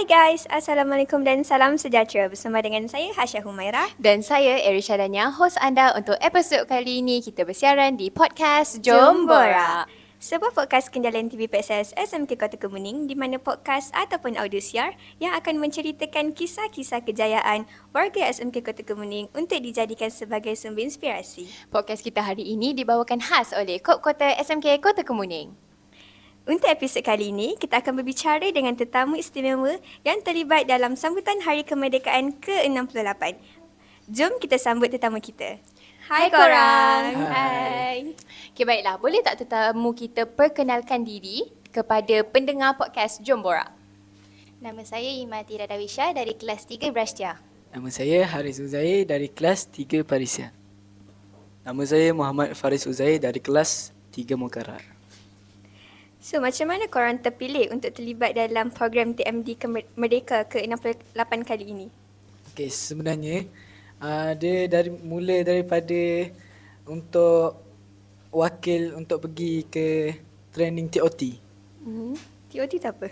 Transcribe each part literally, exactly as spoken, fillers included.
guys, Assalamualaikum dan salam sejahtera. Bersama dengan saya Hasya Humairah dan saya Erisha Dania, host anda untuk episod kali ini. Kita bersiaran di podcast Jom Borak, sebuah podcast kendalan T V P S S S M K Kota Kemuning di mana podcast ataupun audio siar yang akan menceritakan kisah-kisah kejayaan warga S M K Kota Kemuning untuk dijadikan sebagai sumber inspirasi. Podcast kita hari ini dibawakan khas oleh Kop Kota S M K Kota Kemuning. Untuk episod kali ini, kita akan berbicara dengan tetamu istimewa yang terlibat dalam sambutan Hari Kemerdekaan ke enam puluh lapan. Jom kita sambut tetamu kita. Hai, Hai korang. Hai. Okay, baiklah. Boleh tak tetamu kita perkenalkan diri kepada pendengar podcast Jom Borak? Nama saya Imati Radawisha dari kelas tiga Brastia. Nama saya Haris Uzair dari kelas tiga Parisia. Nama saya Muhammad Faris Uzair dari kelas tiga Mokarar. So, macam mana korang terpilih untuk terlibat dalam program T M D Merdeka ke enam puluh lapan kali ini? Okey, sebenarnya uh, dia dari mula daripada untuk wakil untuk pergi ke training T O T. Hmm. T O T tu apa?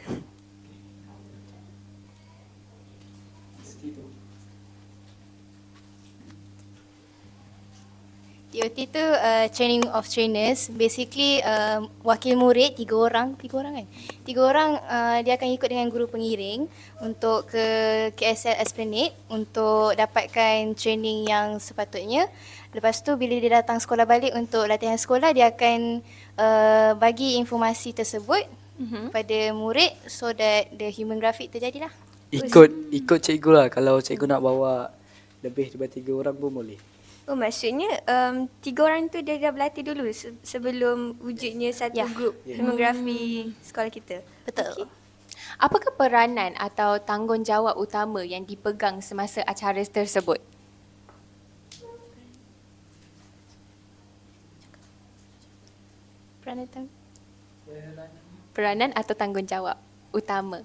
T O T tu uh, training of trainers. Basically uh, wakil murid tiga orang, tiga orang kan? Tiga orang uh, dia akan ikut dengan guru pengiring untuk ke K S L Esplanade untuk dapatkan training yang sepatutnya. Lepas tu bila dia datang sekolah balik untuk latihan sekolah, dia akan uh, bagi informasi tersebut mm-hmm. pada murid so that the human graphic terjadilah. Ikut ikut cikgu lah. Kalau cikgu nak bawa lebih daripada tiga orang pun boleh. Oh, maksudnya um, tiga orang tu dia dah berlatih dulu se- sebelum wujudnya satu Ya. grup Ya. demografi sekolah kita. Betul. Okey. Apakah peranan atau tanggungjawab utama yang dipegang semasa acara tersebut? Peranan tang- Peranan atau tanggungjawab utama?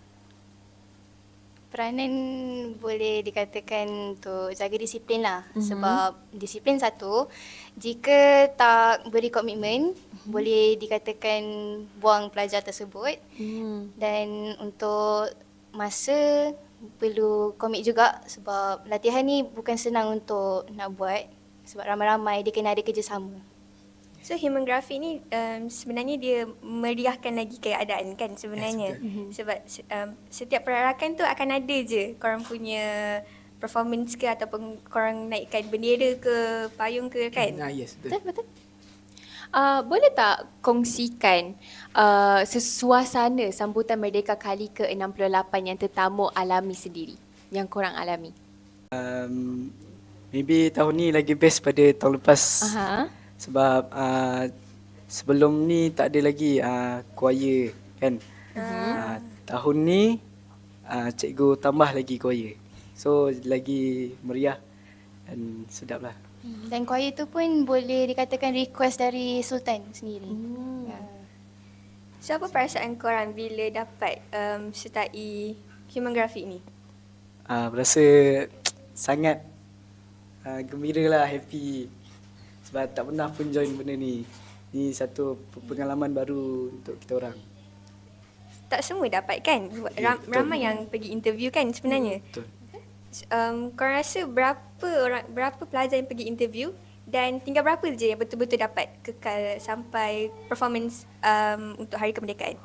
Peranan boleh dikatakan untuk jaga disiplin lah. Mm-hmm. Sebab disiplin satu, jika tak beri komitmen, mm-hmm. boleh dikatakan buang pelajar tersebut. Hmm. Dan untuk masa, perlu komit juga sebab latihan ni bukan senang untuk nak buat. Sebab ramai-ramai dia kena ada kerjasama. So, human graphic ni um, sebenarnya dia meriahkan lagi keadaan kan sebenarnya. Yes, Sebab um, setiap perarakan tu akan ada je korang punya performance ke ataupun korang naikkan bendera ke, payung ke kan. Ah, yes, betul. Betul, betul. Uh, boleh tak kongsikan uh, suasana sambutan Merdeka kali ke enam puluh lapan yang tetamu alami sendiri, yang korang alami? Um, maybe tahun ni lagi best pada tahun lepas. Aha. Sebab uh, sebelum ni tak ada lagi uh, choir kan. Uh-huh. Uh, tahun ni uh, cikgu tambah lagi choir. So lagi meriah dan sedap lah. Dan choir tu pun boleh dikatakan request dari Sultan sendiri. Hmm. Ya. So, apa perasaan korang bila dapat um, sertai human graphic ni? Uh, berasa sangat uh, gembira lah, happy. Sebab tak pernah pun join benda ni. Ni satu pengalaman baru untuk kita orang. Tak semua dapat kan? Ram, betul. ramai yang pergi interview kan sebenarnya. Betul. Um, korang rasa berapa orang, berapa pelajar yang pergi interview dan tinggal berapa je yang betul-betul dapat kekal sampai performance um, untuk Hari Kemerdekaan?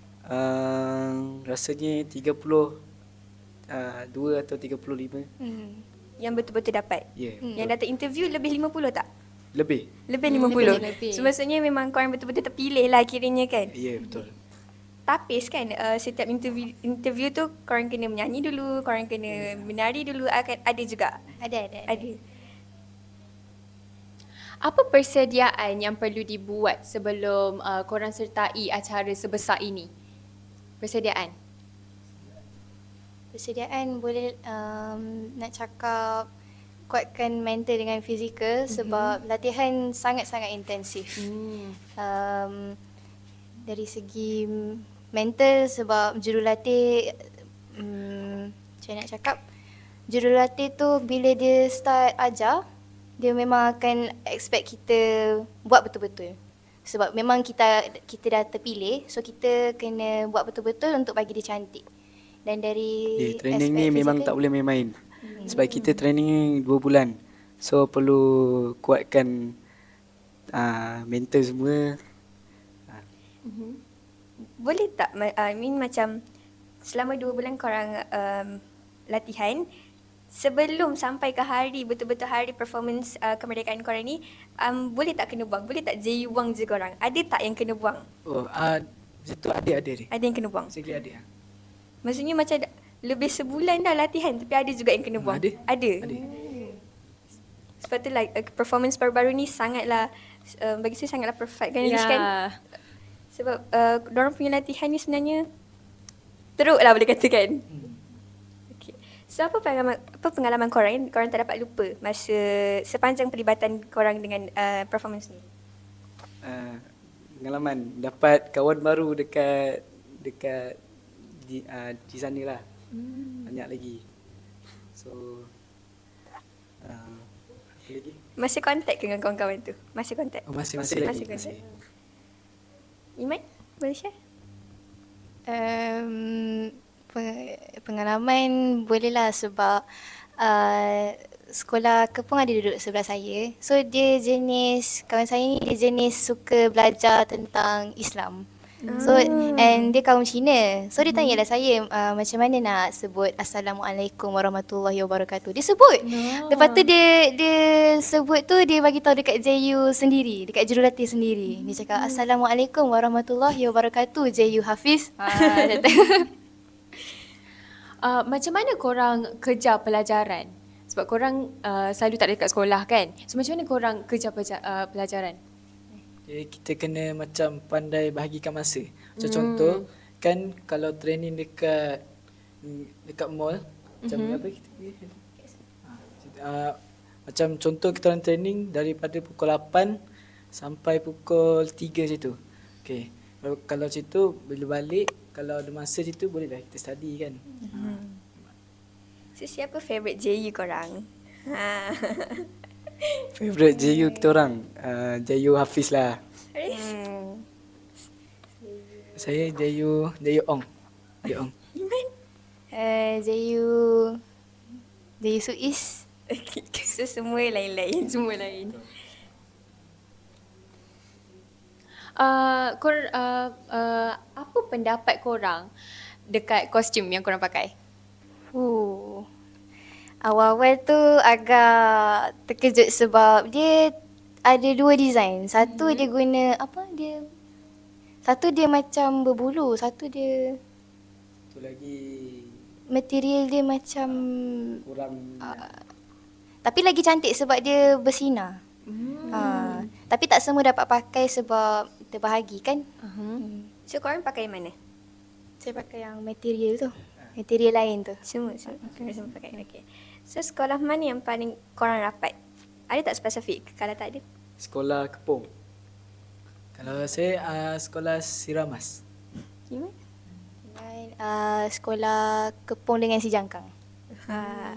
Uh, rasanya tiga puluh dua atau tiga puluh lima. Hmm. Yang betul-betul dapat? Ya, yeah, Yang datang interview lebih lima puluh tak? lebih. Lebih Hmm, lima puluh. lebih, lebih. So maksudnya memang korang betul-betul terpilih lah kiranya kan? Ya, yeah, betul. Tapis kan uh, setiap interview interview tu korang kena menyanyi dulu, korang kena menari dulu, akan ada juga. Ada, ada, ada. Ada. Apa persediaan yang perlu dibuat sebelum uh, korang sertai acara sebesar ini? Persediaan? Persediaan boleh um, nak cakap kuatkan mental dengan fizikal mm-hmm. sebab latihan sangat-sangat intensif. Hmm. Um, dari segi mental sebab jurulatih, um, macam mana nak cakap, jurulatih tu bila dia start ajar, dia memang akan expect kita buat betul-betul. Sebab memang kita kita dah terpilih, so kita kena buat betul-betul untuk bagi dia cantik. Dan dari Okay, training ni aspek memang fizikal- tak boleh main-main. Sebab kita training ni dua bulan. So perlu kuatkan uh, mental semua. Boleh tak, ma- I mean macam selama dua bulan korang um, latihan, sebelum sampai ke hari, betul-betul hari performance uh, kemerdekaan korang ni, um, boleh tak kena buang? Boleh tak J U buang je korang? Ada tak yang kena buang? Oh, uh, itu ada-ada ni. Ada yang kena buang? Sekali ada. Maksudnya macam dah- lebih sebulan dah latihan tapi ada juga yang kena Hmm, buang? ada. Ada? Ada. Sebab tu like uh, performance baru-baru ni sangatlah, uh, bagi saya sangatlah perfect kan, Lish, kan? Ya. Sebab uh, diorang punya latihan ni sebenarnya teruk lah boleh katakan. Okay. So apa pengalaman, apa pengalaman korang yang korang tak dapat lupa masa sepanjang perlibatan korang dengan uh, performance ni? Uh, pengalaman dapat kawan baru dekat dekat di, uh, di sana lah. Hmm. Banyak lagi. So uh, apa lagi? Masih kontak ke dengan kawan-kawan tu? Masih kontak? Oh, masih masih, Masih lagi. kontak? Masih. Iman? Boleh share? Um, pe- pengalaman bolehlah sebab uh, sekolah Kepong ada duduk sebelah saya. So dia jenis, kawan saya ni dia jenis suka belajar tentang Islam. So and dia kaum Cina. So dia tanyalah saya uh, macam mana nak sebut Assalamualaikum warahmatullahi wabarakatuh. Dia sebut. No. Lepas tu dia dia sebut tu dia bagi tahu dekat J U sendiri, dekat jurulatih sendiri. Dia cakap Assalamualaikum warahmatullahi wabarakatuh J U Hafiz. Ha dia kata. Uh, macam mana korang kejar pelajaran? Sebab korang uh, selalu tak ada dekat sekolah kan? So macam mana korang kejar peja- uh, pelajaran? Jadi kita kena macam pandai bahagikan masa. Macam hmm. contoh kan kalau training dekat dekat mall macam mm-hmm. apa kita pergi? Uh, macam contoh kita orang training daripada pukul lapan sampai pukul tiga situ. Okey. Kalau, kalau situ bila balik kalau ada masa situ bolehlah kita study kan. Hmm. So siapa favourite J U korang? Ha. Favorite J U kita orang uh, J U Hafiz lah. Hmm. Saya J U J U Ong. J U Ong. Iman? Uh, J U J U Suis. Okay. So semua lain-lain. Semua lain. Uh, kor, uh, uh, apa pendapat korang dekat kostum yang korang pakai? Uh. Awal-awal tu agak terkejut sebab dia ada dua design. Satu hmm. dia guna apa dia satu dia macam berbulu, satu dia Tu lagi material dia macam kurang uh, tapi lagi cantik sebab dia bersinar. Hmm. Uh, tapi tak semua dapat pakai sebab terbahagi kan? Uh-huh. Hmm. So korang pakai mana? Saya pakai yang material tu. Material lain tu. Semua, semua. Okay. Semua pakai. Okay. So sekolah mana yang paling korang rapat? Ada tak spesifik? Kalau tak ada? sekolah Kepong. Kalau saya uh, sekolah Siramas. Iman? Dan uh, sekolah Kepong dengan si Jangkang. Ha.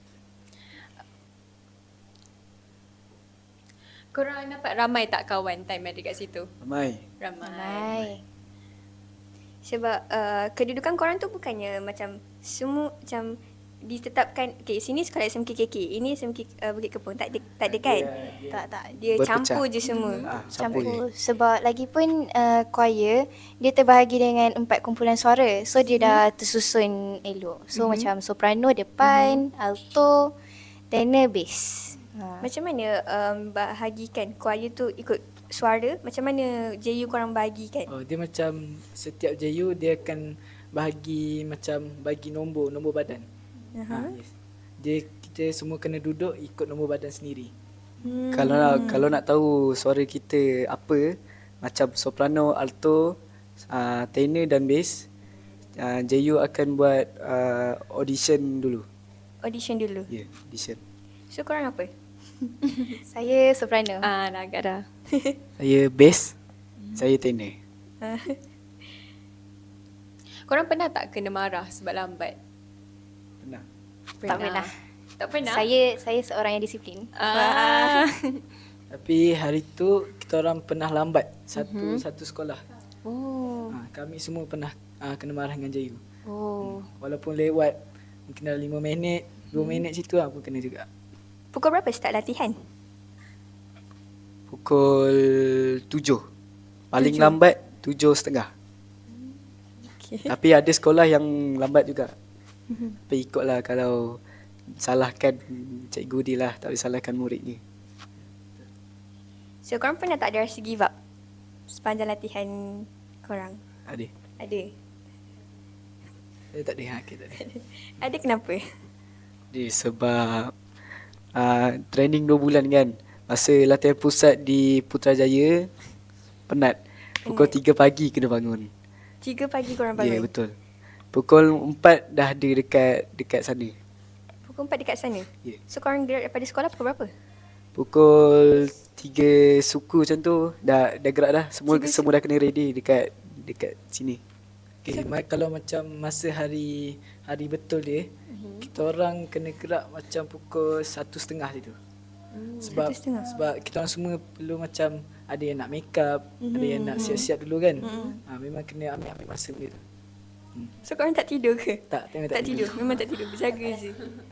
Korang dapat ramai tak kawan time ada kat situ? Ramai. Ramai. Hai. Sebab uh, kedudukan korang tu bukannya macam semua macam ditetapkan, okay, sini sekolah S M K K K, ini S M K uh, Bukit Kepong, tak ada, tak ada kan? Tak tak. Dia Berpecah. campur je semua. Ah, campur je. Campur. Sebab lagi pun uh, choir dia terbahagi dengan empat kumpulan suara. So dia dah tersusun elok. So mm-hmm. macam soprano depan, mm-hmm. alto, tenor, bass. Ha. Macam mana um, bahagikan choir tu ikut suara? Macam mana J U korang bahagikan? Oh, dia macam setiap J U dia akan bahagi macam bagi nombor, nombor badan. Uh-huh. Ha, yes. Dia kita semua kena duduk ikut nombor badan sendiri. Hmm. Kalau nak, kalau nak tahu suara kita apa, macam soprano, alto, uh, tenor dan bass, uh, J U akan buat uh, audition dulu. Audition dulu. Ya, yeah, audition. So korang apa? Saya soprano. Ah, dah agak dah. Saya bass, saya tenor. Korang pernah tak kena marah sebab lambat? Pernah. Tak pernah. Tak pernah? Saya saya seorang yang disiplin. Ah. Tapi hari tu kita orang pernah lambat satu Mhm. satu sekolah. Oh. Ha, kami semua pernah uh, kena marah dengan J U. Oh. Walaupun lewat mungkin dalam lima minit, dua minit situ lah pun kena juga. Pukul berapa start latihan? Pukul tujuh. Paling lambat tujuh setengah. Okay. Tapi ada sekolah yang lambat juga. Tapi ikutlah kalau salahkan cikgu dia lah, tak boleh salahkan murid ni. So korang pernah tak ada rasa give up sepanjang latihan korang? Ada. Ada. Saya tak ada, okay, tak ada. Ada kenapa? Dia sebab uh, training dua bulan kan. Masa latihan pusat di Putrajaya, penat. Pukul tiga pagi kena bangun. Tiga pagi korang Ya, yeah, bangun? betul. Pukul empat dah ada dekat dekat sana. Pukul empat dekat sana? Ya. So korang gerak daripada sekolah pukul berapa? Pukul tiga suku macam tu dah dah gerak dah. Semua Tiga semua dah kena ready dekat dekat sini. Okay, ma- kalau macam masa hari hari betul dia, uh-huh. kita orang kena gerak macam pukul satu setengah situ. Hmm, sebab satu setengah. sebab kita orang semua perlu macam ada yang nak make up, mm-hmm. ada yang nak siap-siap dulu kan. Mm-hmm. Ha, memang kena ambil ambil masa benda tu. Hmm. So korang tak tidur ke? Tak, memang Tak, tidur. Memang tak tidur. Berjaga je.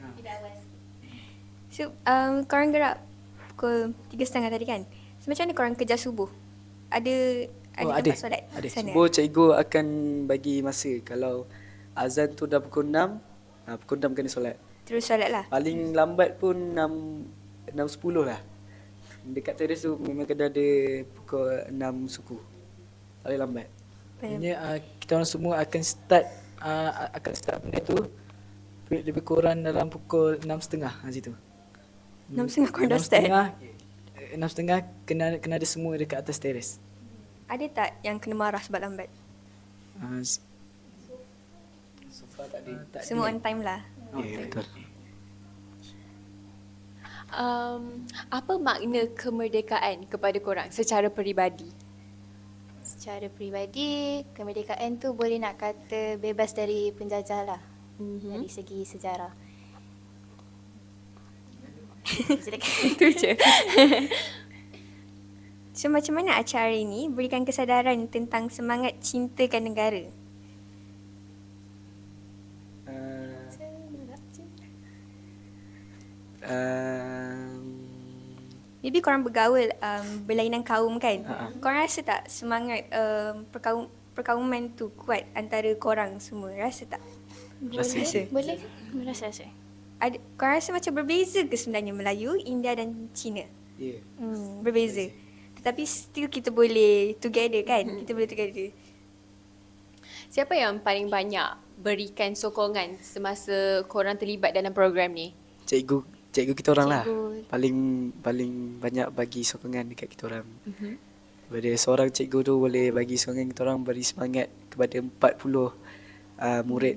So um, korang gerak pukul tiga setengah tadi kan? So macam mana korang kejar subuh? Ada ada Oh, tempat ada. solat Ada. sana? Subuh cikgu akan bagi masa. Kalau azan tu dah pukul enam, ha, pukul enam kena solat. Terus solat lah. Paling lambat pun enam enam sepuluh lah. Dekat teres tu memang kena ada pukul enam suku. Paling lambat. Maksudnya uh, kita orang semua akan start uh, akan start benda tu lebih kurang dalam pukul enam setengah ha, situ. Enam setengah korang dah start? setengah, eh, enam setengah kena kena ada semua dekat atas teres. Ada tak yang kena marah sebab lambat? Uh, So far tak ada. tak Semua ada. on time lah. Ya, yeah, betul. Um, apa makna kemerdekaan kepada korang secara peribadi? Secara peribadi, kemerdekaan tu boleh nak kata bebas dari penjajah lah. Mm-hmm. Dari segi sejarah. Itu je. So macam mana acara ini berikan kesadaran tentang semangat cintakan negara? Uh, um, Maybe korang bergaul um, berlainan kaum kan? Ha-ha. Korang rasa tak semangat um, perkaum, perkauman tu kuat antara korang semua? Rasa tak? Rasa. Rasa. Boleh? Rasa-rasa. Ada, korang rasa macam berbeza ke sebenarnya Melayu, India dan Cina? Ya. Yeah. Hmm, berbeza. Tetapi still kita boleh together kan? Kita boleh together. Siapa yang paling banyak berikan sokongan semasa korang terlibat dalam program ni? Cikgu, cikgu kita orang lah. Cikgu. Paling paling banyak bagi sokongan dekat kita orang. Mm-hmm. Daripada seorang cikgu tu boleh bagi sokongan kita orang, beri semangat kepada empat puluh uh, murid.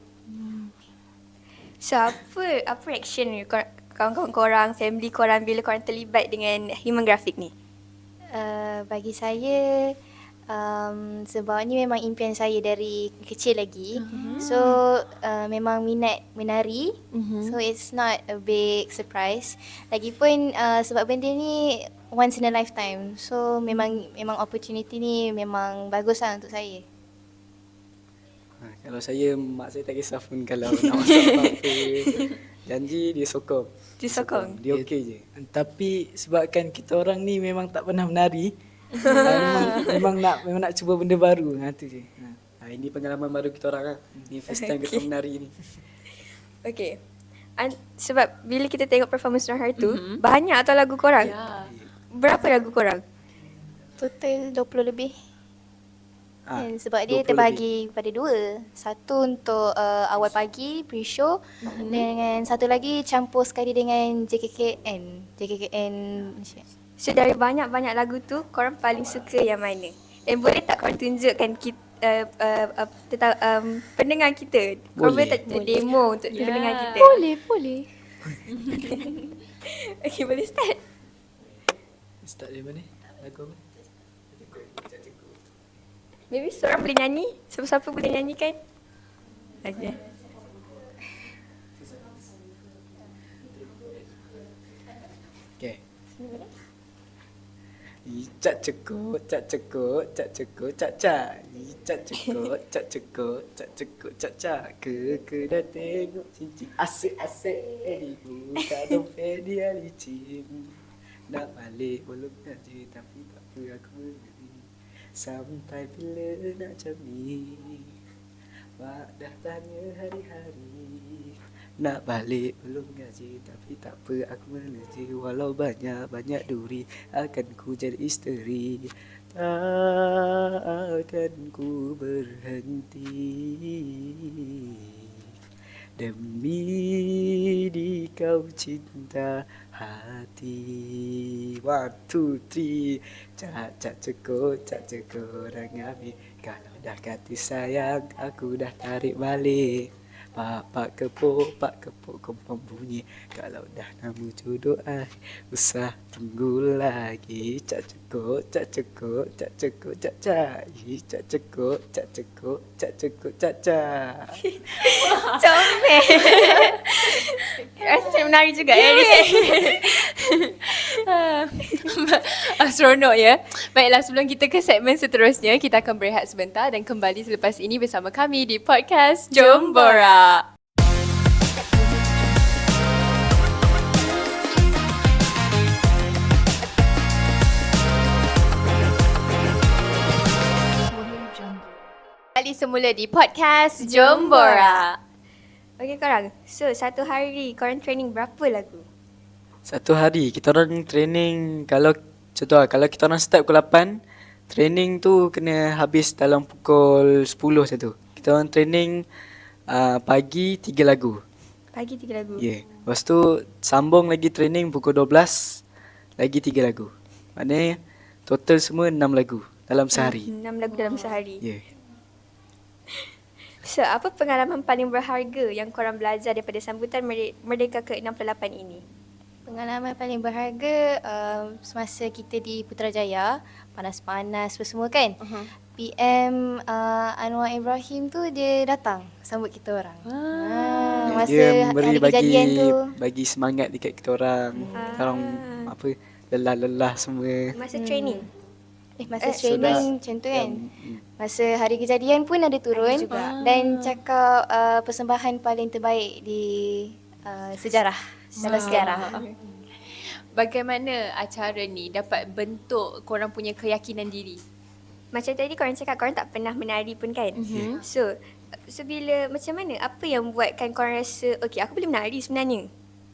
So apa, apa reaction ni kor- kawan-kawan korang, family korang bila korang terlibat dengan human graphic ni? Uh, bagi saya, um, sebab ni memang impian saya dari kecil lagi. Uh-huh. So uh, memang minat menari. Uh-huh. So it's not a big surprise. Lagipun uh, sebab benda ni once in a lifetime. So memang memang opportunity ni memang bagus lah untuk saya. Ha, kalau saya, mak saya tak kisah pun kalau nak masak apa-apa. Janji dia sokong. Dia sokong? Dia okey je. Tapi sebabkan kita orang ni memang tak pernah menari, uh, memang, memang nak memang nak cuba benda baru. Ha tu je. Ha. Ha, ini pengalaman baru kita orang lah. Ni first time kita menari ni. Okay. An- sebab bila kita tengok performance orang hari tu, mm-hmm. banyak tau lagu korang. Ya. Berapa lagu korang? Total dua puluh lebih. Ha, And sebab dua puluh dia terbagi pada dua. Satu untuk uh, awal pagi, pre-show. Mm-hmm. Dengan satu lagi campur sekali dengan J K K N. J K K N Malaysia. So dari banyak-banyak lagu tu, korang paling suka yang mana? And boleh tak korang tunjukkan kita, uh, uh, uh, tentang um, pendengar kita? Korang boleh Boleh. tak boleh. demo untuk Ya. pendengar kita? Boleh, boleh. Okay, boleh start? Start dari mana? Lagu apa? Maybe seorang boleh nyanyi? Siapa-siapa boleh nyanyikan? Okay. Okay. Cak cekut, cak cekut, cak cekut, cak cak. Cak cekut, cak cekut, cak cekut, cak cak. Ke ke dah tengok cincin. Asyik-asyik dibuka dompet dia licin. Nak balik belum gaji tapi tak apa aku beri. Sampai bila nak cami. Mak dah tanya hari-hari. Nak balik belum gaji tapi tak apa aku meneji. Walau banyak-banyak duri akan ku jadi isteri. Tak akan ku berhenti demi di kau cinta hati. One, two, three. Cak, cak cekut, cak cekut orang ambil. Kalau dah kata sayang aku dah tarik balik. Pak, pak kepuk, pak kepuk kompong bunyi. Kalau dah nama jodoh ai, usah tunggu lagi. Cak cekut, cak cekut, cak cekut, cak cak. Ih, Cak cekut, cak cekut, cak cekut, cak cak. Comel. Rasa macam menari juga ya. Ah, seronok ya. Baiklah, sebelum kita ke segmen seterusnya, kita akan berehat sebentar dan kembali selepas ini bersama kami di podcast Jom Borak. Kali semula di podcast Jom Borak. Okey korang, so satu hari korang training berapa lagu? Satu hari kita orang training, kalau contoh lah, kalau kita orang start pukul lapan, training tu kena habis dalam pukul sepuluh macam tu. Kita orang training uh, pagi tiga lagu. Pagi tiga lagu. Ya. Yeah. Lepas tu sambung lagi training pukul dua belas lagi tiga lagu. Maknanya total semua enam lagu dalam sehari. Enam lagu dalam sehari. Ya. Yeah. So, apa pengalaman paling berharga yang korang belajar daripada sambutan Merde- Merdeka ke enam puluh lapan ini? Pengalaman paling berharga uh, semasa kita di Putrajaya, panas-panas apa semua kan. Uh-huh. P M uh, Anwar Ibrahim tu dia datang sambut kita orang. Ah, masa Dia memberi hari bagi kejadian tu. bagi semangat dekat kita orang. Kita orang apa lelah-lelah semua. Masa training? Eh masa Eh, training macam tu kan. Masa hari kejadian pun ada turun juga. dan cakap uh, persembahan paling terbaik di uh, sejarah dalam sejarah. Bagaimana acara ni dapat bentuk korang punya keyakinan diri? Macam tadi korang cakap korang tak pernah menari pun kan? Mhm. So, so bila macam mana? Apa yang buatkan korang rasa, okay aku boleh menari sebenarnya?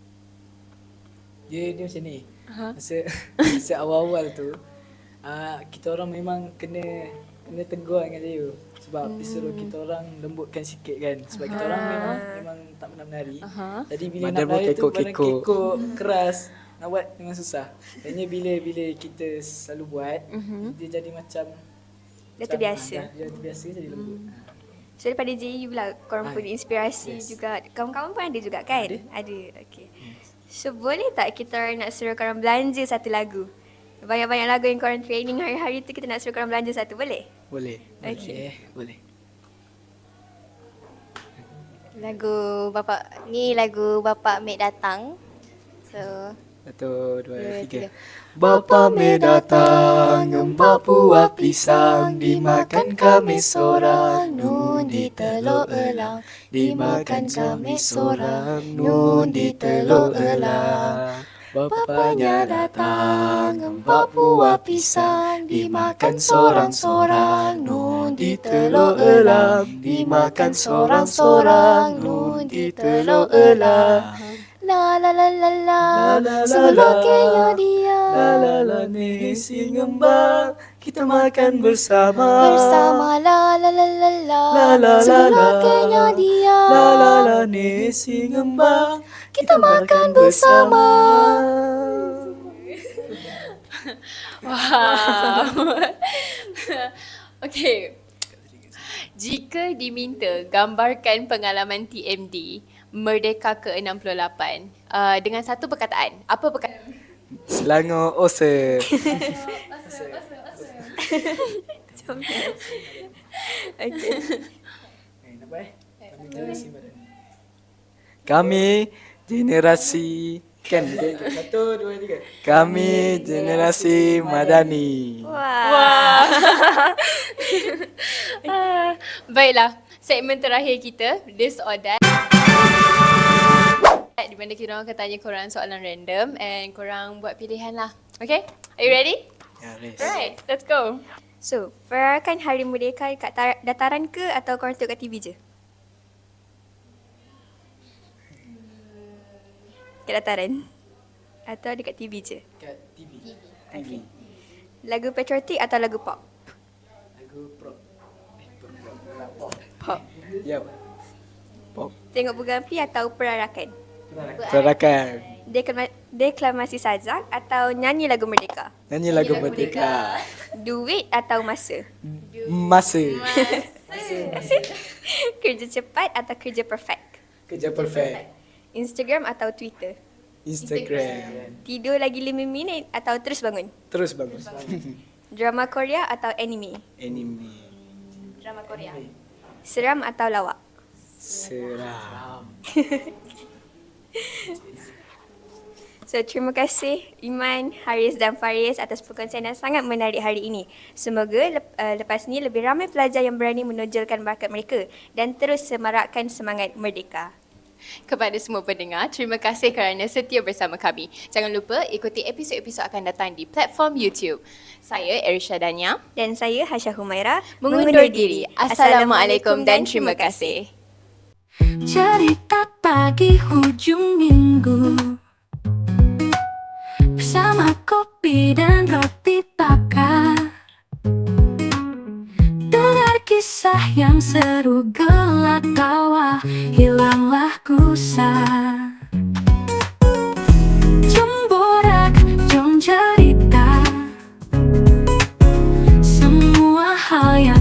Dia dia macam ni. Uh-huh. Masa masa awal-awal tu uh, kita orang memang kena kena tegur dengan dia sebab hmm. disuruh kita orang lembutkan sikit kan sebab uh-huh. kita orang memang memang tak pernah menari. Uh-huh. Jadi bila Badan nak pun menari tu badan kekok-kekok. kekok keras nak buat memang susah. Hanya bila bila kita selalu buat uh-huh. dia jadi macam Dah terbiasa. Dah, dah terbiasa jadi lembut. Hmm. So daripada J U pula korang Ah, punya inspirasi yes. juga. Kawan-kawan pun ada juga kan? Ada. Ada. Okay. So boleh tak kita orang nak suruh korang belanja satu lagu? Banyak-banyak lagu yang korang training hari-hari tu kita nak suruh korang belanja satu, boleh? Boleh. Okay. Boleh. Lagu bapak ni lagu bapak Mek datang. So Satu, dua, Dua, tiga. tiga. Bapa me datang, empat buah pisang, dimakan kami sorang, nun di telur elang, dimakan kami sorang, nun di telur elang. Bapanya datang, empat buah pisang, dimakan sorang-sorang, nun di telur elang, dimakan sorang-sorang, nun di telur elang. la la la la la, La, la, la, sebeloknya la. dia La la la nasi ngembang, kita makan bersama. bersama la la la la la, La la la la. sebeloknya dia La la la nasi ngembang, kita makan bersama. Wow. Okay. Jika diminta gambarkan pengalaman T M D Merdeka ke enam puluh lapan uh, dengan satu perkataan, apa perkataan? Selangor Osa. Okay. Eh, nak buat eh? Kami generasi badan. Kami generasi Kan? Satu, dua, tiga. Kami generasi Madani. Wah. Ah, baiklah, segmen terakhir kita, This or That. Di mana kita orang akan tanya korang soalan random and korang buat pilihan lah. Okay? Are you ready? Ya, Riz. Right, let's go. So, perayaan Hari Merdeka kat tar- dataran ke atau korang tengok kat T V je? Kat dataran? Atau dekat T V je? Kat T V. Okay. Lagu patriotik atau lagu pop? Lagu prop. Eh, prop. Prop. Pop. Ya. Pop. Tengok bunga api atau perarakan? Perarakan. Deklama- deklamasi sajak atau nyanyi lagu merdeka? Nyanyi lagu Merdeka. Duit atau masa? Masa. Kerja cepat atau kerja perfect? Kerja perfect. Instagram atau Twitter? Instagram. Tidur lagi lima minit atau terus bangun? Terus bagus. Drama Korea atau anime? Anime. Drama Korea. Seram atau lawak? Seram. So, terima kasih Iman, Haris dan Faris atas perkongsian yang sangat menarik hari ini. Semoga lep, uh, lepas ni lebih ramai pelajar yang berani menonjolkan bakat mereka dan terus semarakkan semangat merdeka. Kepada semua pendengar, terima kasih kerana setia bersama kami. Jangan lupa ikuti episod-episod akan datang di platform YouTube. Saya Erisha Dania. Dan saya Hasya Humaira Mengundur diri. Assalamualaikum dan terima kasih. Cerita pagi hujung minggu bersama kopi dan roti bakar. Dengar kisah yang seru, gelak tawa, hilanglah gusar. Jom borak, jom cerita semua hal yang